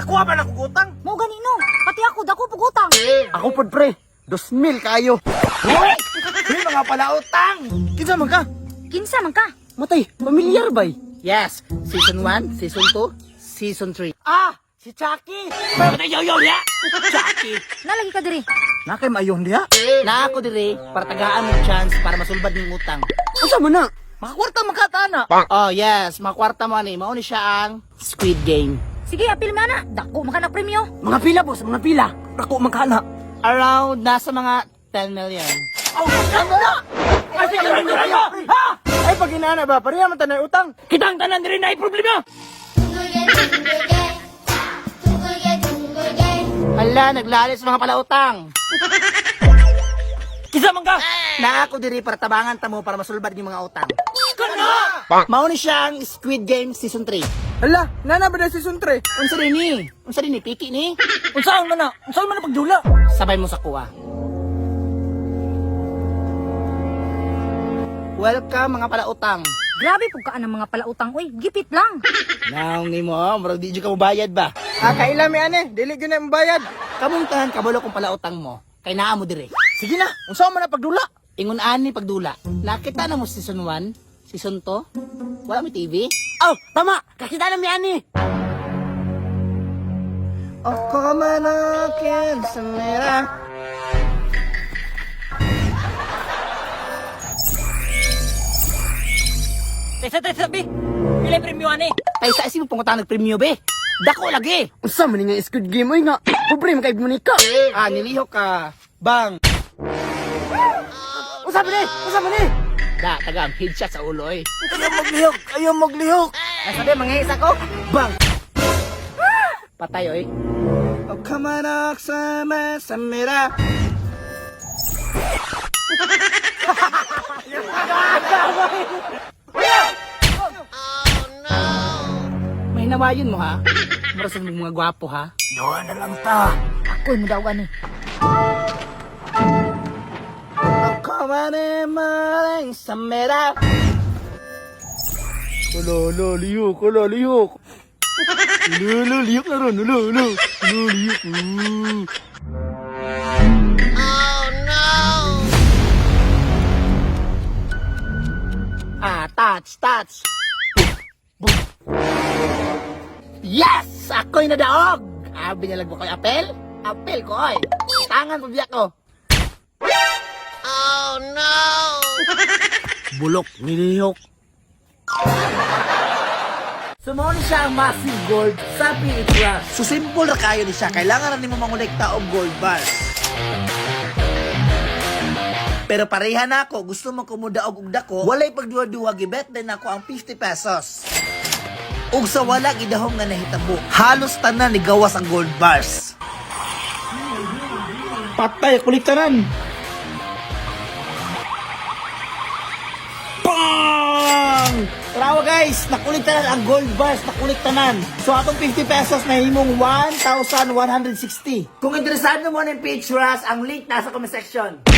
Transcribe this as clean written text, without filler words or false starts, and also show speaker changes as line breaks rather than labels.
Nakuha ba ng kugutang?
Mo ganino, pati ako dako pugutang.
Ako pod pre, 2,000 kayo.
Hoy! May mga palautang!
Kinsa man ka?
Kinsa man ka?
Matay, pamilyar bay.
Yes, Season 1, Season 2, Season 3.
Ah, si Chucky.
Patay yaw ya! Chucky!
Nalagi ka diri.
Nakay maayon diha.
Na ako dire, para tagaan mo chance para masulbad ng utang.
Unsa man na?
Makakwarta makatana. Oh yes, makakwarta mo ani. Mao ni siya ang Squid Game.
Sige, apil mo na. Dako man ka na premyo.
Mga pila boss, mga pila. Dako magkana.
Around nasa mga 10 million.
Oh, ano na? Ay, sige, ha? Ay, pag inana ba, pareha man tanay utang.
Kitang tanan rin na problema!
Hala, naglalis mga palautang.
Kinsa man ka?
Na ako diri para tabangan tamo para masulbad ng mga utang.
Kana!
Mao ni siya ang Squid Game Season 3.
Hala, nana ba na season 3?
Unsa rin ni? Unsa rin ni? Piki ni?
Unsaon man na? Unsaon man na pagdula?
Sabay mo sa kuha. Welcome mga palautang.
Grabe pug kaan ang mga palautang oy. Gipit lang.
Naong ni mo, murag di jud ka mobayad ba?
Ah, kaila mi ane, dili gyud na bayad.
Kamong tahan kabalo kung palautang mo. Kay naa mo dire.
Sige na, unsa man na pagdula?
Ingon ani pagdula. Nakita na mo Season 1, Season 2. Wala mo TV?
Oh, tama, kakita na mi ani.
Ako manakin sa mera.
Tesa, bi! Pila premyo ani?
Ay sa isip mo pangutang nagpremyo be. Dako lagi.
Unsa man nga Squid Game oy nga? Pobre man kay Monica.
Ah, nilihok ka. Bang.
Unsa man ni? Unsa man ni?
Da, taga headshot sa ulo eh.
Ayaw maglihok.
Ay sabi, mangihis ako. Bang. Patay oy. O kamanak sa masamira. May nawayon mo ha? Marasan mo mga gwapo ha?
Doon na lang ta.
Ako'y mo daw gani.
Ako maning sa mera.
Ulo, liyok. Ulo, liyok na ron. Ulo, liyok.
Ah, touch. Yes! Ako'y nadaog! Binalag mo ko'y apel? Apel ko, oy! Tangan mo biyak ko!
Bulok, nilihok.
Sumuni siya ang massive gold sa Pilipinas. So simple ra kayo ni siya. Kailangan na nimo mangolekta og gold bars. Pero pareha na ako, gusto mo kumudaog og dako, walay pagduwa-duwa gibet din ako ang 50 pesos. Ug sa wala gidahom nga nahitabo, halos tanan ni gawas ang gold bars.
Patay, kuliktaran.
Bang! Tarawa guys, nakuliktanan ang gold bars, nakuliktanan. So atong 50 pesos na himong 1,160. Kung interesado mo ng page rush, ang link nasa comment section.